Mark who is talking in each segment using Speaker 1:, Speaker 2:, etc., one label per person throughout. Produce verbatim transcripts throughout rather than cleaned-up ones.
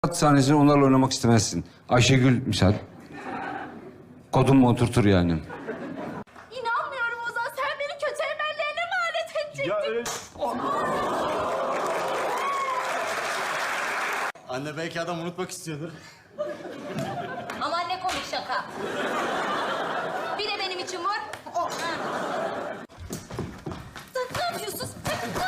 Speaker 1: sahnesinde onlarla oynamak istemezsin. Ayşegül misal. Kodun mu oturtur yani?
Speaker 2: İnanmıyorum Ozan. Sen beni kötü emellerine mi alet edecektin?
Speaker 3: Ya öyle... Anne belki adam unutmak istiyordur.
Speaker 2: Aman ne komik şaka. Bir de benim için var. Oh. Ne yapıyorsun? Ne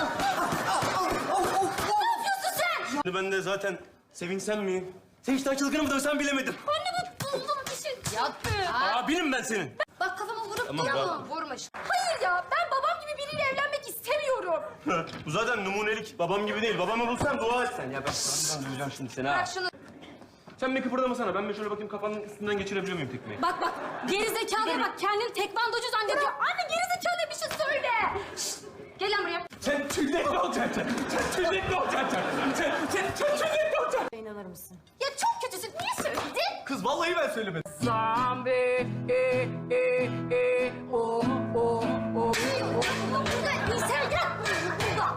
Speaker 2: yapıyorsun sen?
Speaker 3: Ben de zaten sevinsem mi? Sevinçten çılgını mı dövsem bilemedim.
Speaker 2: Anne bu buldum bir şey. Yaptı.
Speaker 3: Abinim ben senin.
Speaker 2: Bak kafama vurup
Speaker 3: Tamam,
Speaker 2: duruyor.
Speaker 3: bravo.
Speaker 2: Vurmuş. Hayır ya ben babam gibi biriyle evlenmek istemiyorum.
Speaker 3: Bu zaten numunelik. Babam gibi değil. Babamı bulsam dua et sen. Ya ben ben duyacağım şimdi seni ha.
Speaker 2: Bırak şunu.
Speaker 3: Sen bir kıpırdamasana. Ben bir şöyle bakayım kafanın üstünden geçirebiliyor muyum tekmeyi?
Speaker 2: Bak bak geri zekalıya bak kendini tekvandocu zannediyor. Anne geri zekalıya bir şey söyle. Şşt, gel lan buraya.
Speaker 3: Sen tüylekli olacaksın. Sen tüylekli olacaksın. Sen, sen, sen tüylekli olacaksın.
Speaker 2: İnanır mısın? Ya çok kötüsün. Niye söyledin?
Speaker 3: Kız vallahi ben söylemedim.
Speaker 4: Zombie, e, e, e, o, o, o.
Speaker 2: Burada insan yok. Burada.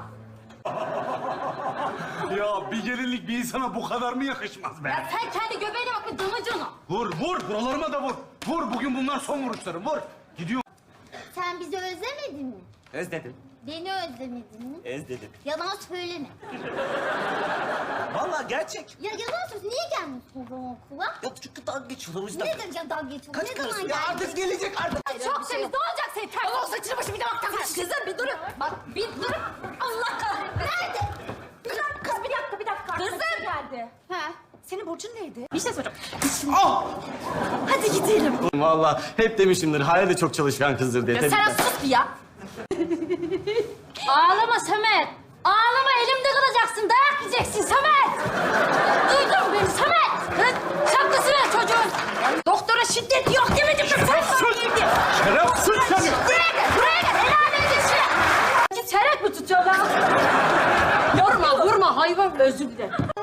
Speaker 5: Ya bir gelinlik bir insana bu kadar mı yakışmaz be?
Speaker 2: Ya sen kendi göbeğine bak bir damacana.
Speaker 5: Vur, vur. Buralarıma da vur. Vur, bugün bunlar son vuruşlarım. Vur. Gidiyor.
Speaker 6: Sen bizi özlemedin mi?
Speaker 3: Özledim.
Speaker 6: Beni özlemedin mi?
Speaker 3: Özledim.
Speaker 6: Yalan söyleme.
Speaker 3: Vallahi gerçek.
Speaker 6: Ya yalan söylüyorsun. Niye gelmiyorsun o zaman okula?
Speaker 3: Ya çünkü dalga geçiyorlar o yüzden.
Speaker 6: Ne demek dalga geçiyorsun?
Speaker 3: Kaç
Speaker 6: Ne
Speaker 3: karısı?
Speaker 6: zaman
Speaker 3: Ya
Speaker 6: geldin?
Speaker 3: artık gelecek artık.
Speaker 2: Çok temiz. Ne olacak senin ters? Allah saçını başını bir de bak takmış. Kızım bir durun. Bak bir durun. Allah kahretsin. Nerede? Bir dakika. Kız bir dakika bir dakika. Kızım. geldi.
Speaker 6: Ha?
Speaker 2: Senin burcun neydi? Bir şey soracağım. Hadi gidelim.
Speaker 3: Vallahi hep demişimdir. Hayal de çok çalışkan kızdır diye.
Speaker 2: Ya sen sus bir ya. Ağlama Samet. Ağlama elimde kalacaksın. Dayak yiyeceksin Samet. Duydun beni Samet. Kız şapkası ver çocuğun. Doktora şiddet yok demedim mi? Sen sus.
Speaker 5: Şerefsiz seni.
Speaker 2: Buraya gel, buraya gel. El alemi geçme. Git çeyrek mi tutuyor lan? Yorma, vurma hayvan. Özür dilerim.